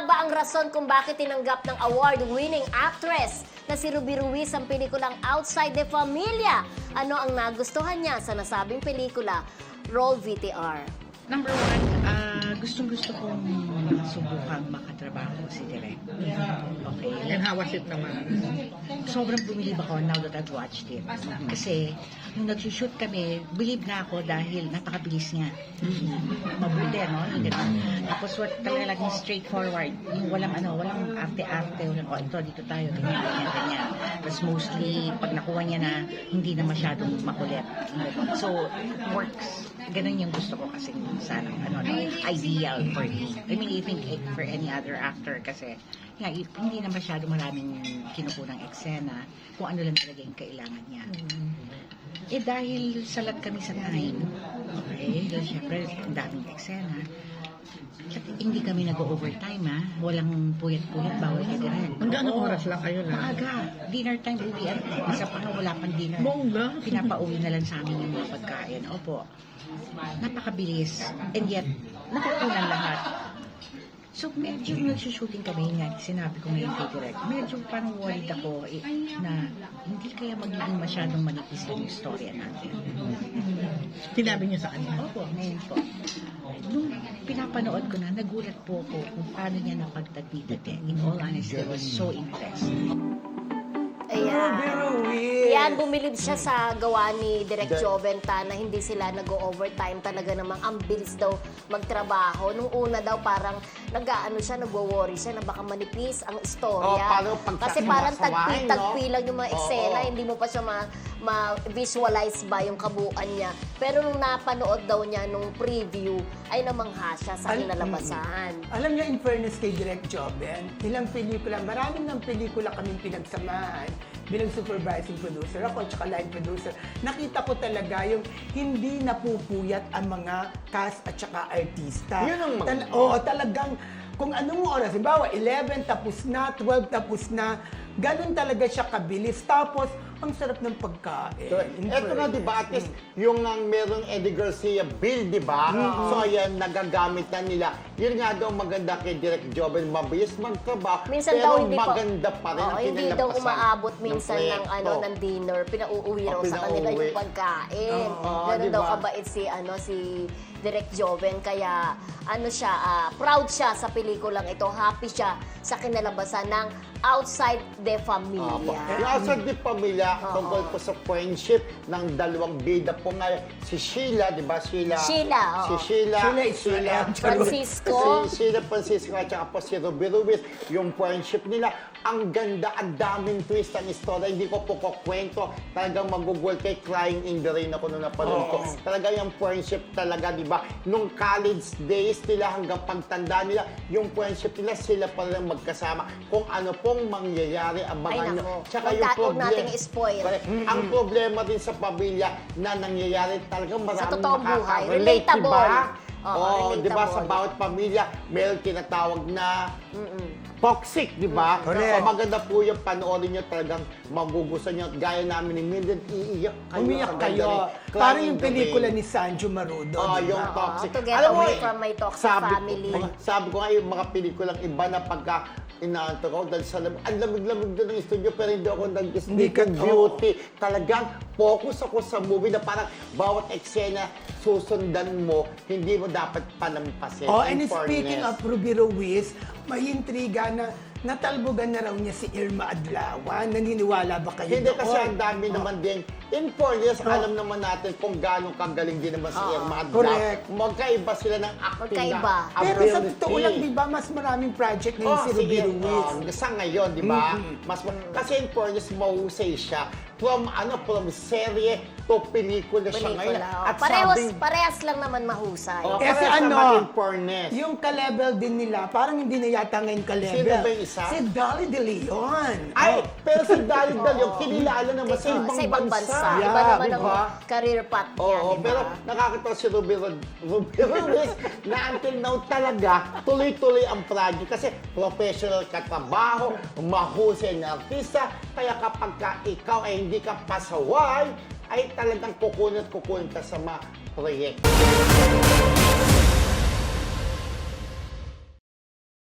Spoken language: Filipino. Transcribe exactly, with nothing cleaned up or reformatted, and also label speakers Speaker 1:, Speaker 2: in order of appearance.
Speaker 1: ba ang rason kung bakit tinanggap ng award-winning actress na si Ruby Ruiz ang pelikulang Outside the Familia? Ano ang nagustuhan niya sa nasabing pelikula? Roll V T R.
Speaker 2: Number one, uh, gustong-gusto kong subukang makatrabaho si Direk. Okay.
Speaker 3: And how was it naman?
Speaker 2: Sobrang bumilib ako now that I've watched it. Kasi, nung nag-shoot kami, believe na ako dahil napakabilis niya. Mabuti, no? Yung ganun. Tapos, what, talaga laging straightforward. Yung walang ano, walang arte-arte. Walang, oh, ito, dito tayo, ganyan, ganyan, ganyan. Tapos, mostly, pag nakuha niya na, hindi na masyadong makulit. So, works. Ganun yung gusto ko kasi sana, ano, no, ideal for me. I mean, I think for any other actor kasi, nga, if hindi na masyado maraming kinukunang eksena, kung ano lang talaga yung kailangan niya. Eh dahil salat kami sa time, okay, dahil syempre, ang daming eksena, at hindi kami nag-overtime, ha? Walang puyat-puyat, bawal ka direct.
Speaker 3: Hanggang anong oras lang kayo na?
Speaker 2: Maaga. Dinner time, uwian. Isa pa nga wala pang dinner.
Speaker 3: Bongga.
Speaker 2: Pinapauwi na lang sa amin yung mga pagkain. Opo. Napakabilis. And yet, nakukunan lahat. So, medyo nagsushooting kami nga, sinabi ko ngayon kay Direk, medyo parang worried ako eh, na hindi kaya magiging masyadong manipis yung istorya natin.
Speaker 3: Sinabi niya sa kanya.
Speaker 2: Opo, ngayon po. Nung pinapanood ko na, nagulat po ako kung paano niya napagtagpi-dati. In all honesty, I was so impressed.
Speaker 1: Ayan.
Speaker 4: Ruiz.
Speaker 1: Yan, bumilib siya sa gawa ni Direk Joventa na hindi sila nag-overtime. Talaga namang ang bilis daw magtrabaho. Nung una daw parang nag-ano siya, nagwo-worry siya na baka manipis ang istorya.
Speaker 4: Oh, paano pag-
Speaker 1: Kasi parang
Speaker 4: sasaway,
Speaker 1: tagpi-tagpi
Speaker 4: no?
Speaker 1: lang yung mga
Speaker 4: Oo,
Speaker 1: eksena.
Speaker 4: oo.
Speaker 1: Hindi mo pa siya ma- ma-visualize ba yung kabuuan niya. Pero nung napanood daw niya nung preview, ay namangha siya sa
Speaker 4: Al-
Speaker 1: kinalabasan.
Speaker 4: Alam niyo, in fairness kay Direk Joben, ilang pelikula, maraming ng pelikula kaming pinagsamahan bilang supervising producer ako at saka line producer. Nakita ko talaga yung hindi napupuyat ang mga cast at saka artista.
Speaker 5: Yun ang
Speaker 4: Tal- Oo, talagang kung anong oras, halimbawa, eleven tapos na, twelve tapos na, ganun talaga siya kabilis. Tapos, ang sarap ng pagkain.
Speaker 5: So,
Speaker 4: In
Speaker 5: eto nga,
Speaker 4: fairness.
Speaker 5: di ba, at least, yung ang merong Eddie Garcia bill, di ba? So, ayan, nagagamit na nila. Yun nga daw maganda kay Direk Joben, mabilis magtrabaho,
Speaker 1: Minsan
Speaker 5: pero
Speaker 1: daw hindi pa-
Speaker 5: maganda pa rin
Speaker 1: Oo,
Speaker 5: ang
Speaker 1: hindi daw
Speaker 5: kinalabasan
Speaker 1: umaabot minsan ng,
Speaker 5: proyekto.
Speaker 1: ano ng dinner, pinauuwi
Speaker 5: O,
Speaker 1: raw sa kanila
Speaker 5: pinauuwi.
Speaker 1: yung pagkain.
Speaker 5: Oo,
Speaker 1: Ganun
Speaker 5: diba?
Speaker 1: daw kabait si ano si Direk Joven, kaya ano siya, ah, proud siya sa pelikulang ito, happy siya sa kinalabasan ng Outside the
Speaker 5: Opo.
Speaker 1: Familia.
Speaker 5: Yung outside the pamilya,
Speaker 1: Oo.
Speaker 5: tungkol po sa friendship ng dalawang bida po nga, si Sheila, di ba? Sheila.
Speaker 1: Sheila, oo.
Speaker 5: Si Sheila.
Speaker 4: Sheila Israel.
Speaker 1: Francisco.
Speaker 5: Si Sheila Francisco at saka po si Ruby Ruiz, yung friendship nila, ang ganda, ang daming twist ang istorya. Hindi ko po kukwento. Talagang magugol kay Crying in the Rain ako nung napanood ko.
Speaker 4: Oo.
Speaker 5: Talaga yung friendship talaga, di ba? Nung college days nila hanggang pagtanda nila, yung friendship nila, sila pa rin magkasama. Kung ano pong mangyayari, abangan
Speaker 1: Ay,
Speaker 5: nyo.
Speaker 1: nako.
Speaker 5: Tsaka
Speaker 1: Huwag
Speaker 5: yung
Speaker 1: ta- huwag
Speaker 5: problem-
Speaker 1: nating i-spoil.
Speaker 5: Correct. Ang problema din sa pamilya na nangyayari talagang maraming
Speaker 1: totoong buhay.
Speaker 5: makaka-relate,
Speaker 1: Relatable.
Speaker 5: diba?
Speaker 1: Oo,
Speaker 5: Oo, di ba? Sa
Speaker 1: relatable.
Speaker 5: bawat pamilya, meron tinatawag na toxic, di ba?
Speaker 4: Correct.
Speaker 5: So, maganda po yung panoorin nyo, talagang magugustuhan nyo. Gaya namin ni Mildred, iiyak kayo.
Speaker 4: Umiyak
Speaker 5: Ang ganda
Speaker 4: kayo.
Speaker 5: rin.
Speaker 4: Parang
Speaker 5: Crying
Speaker 4: yung
Speaker 5: in the
Speaker 4: pelikula
Speaker 5: Rain.
Speaker 4: ni Sanjo Marudo.
Speaker 5: Oh,
Speaker 4: di ba?
Speaker 5: yung toxic.
Speaker 1: to get
Speaker 5: Alam mo,
Speaker 1: away from my toxic
Speaker 5: sabi ko-
Speaker 1: family.
Speaker 5: mga- sabi ko nga yung mga pelikulang iba na pagka inaanto ko dahil sa lamig, ang lamig-lamig doon ng studio pero hindi ako
Speaker 4: Hindi
Speaker 5: nag-speak
Speaker 4: ka-
Speaker 5: of beauty. Talagang focus ako sa movie na parang bawat eksena susundan mo, hindi mo dapat palampasin.
Speaker 4: Oh,
Speaker 5: In
Speaker 4: and speaking
Speaker 5: fairness.
Speaker 4: of Ruby Ruiz, may intriga na natalbogan na raw niya si Irma Adlawan. Naniniwala ba kayo
Speaker 5: Hindi
Speaker 4: doon?
Speaker 5: kasi ang dami naman din. In fairness, alam naman natin kung gaano kagaling din naman si Irma Adlaw.
Speaker 4: Correct.
Speaker 5: Magkaiba sila ng acting
Speaker 1: Magkaiba.
Speaker 5: na
Speaker 4: Pero sa
Speaker 5: ability.
Speaker 4: totoo lang, di ba, mas maraming project ngayon
Speaker 5: Oh,
Speaker 4: si Ruby
Speaker 5: sige.
Speaker 4: Ruiz.
Speaker 5: Oh, sa ngayon, di ba? Mas kasi in fairness, mahusay siya. From ano, from serye to pelikula siya ngayon.
Speaker 1: Pelikula. oh.
Speaker 5: At
Speaker 1: Parehas,
Speaker 5: sabing,
Speaker 1: parehas lang naman mahusay.
Speaker 5: oh,
Speaker 4: Kasi
Speaker 5: parehas
Speaker 4: ano,
Speaker 5: naman in fairness.
Speaker 4: yung ka-level din nila, parang hindi na yata ngayon ka-level.
Speaker 5: Sino ba yung isa?
Speaker 4: Si Dolly De Leon.
Speaker 5: Ay,
Speaker 4: Oh.
Speaker 5: pero si Dalit Dal, yung kinilala naman sa
Speaker 1: Oo,
Speaker 5: ibang,
Speaker 1: sa ibang
Speaker 5: bansa.
Speaker 1: bansa.
Speaker 4: Yeah,
Speaker 1: Iba naman
Speaker 5: di
Speaker 1: ang
Speaker 5: ba?
Speaker 1: career path niya,
Speaker 5: Oo,
Speaker 1: di ba?
Speaker 5: pero nakakatawa si Ruby, Rod- Ruby Ruiz na until now talaga tuloy-tuloy ang project kasi professional katrabaho, mahusay na artista, kaya kapag ka ikaw ay hindi ka pasaway, ay talagang kukunin at kukunin ka sa mga proyekto.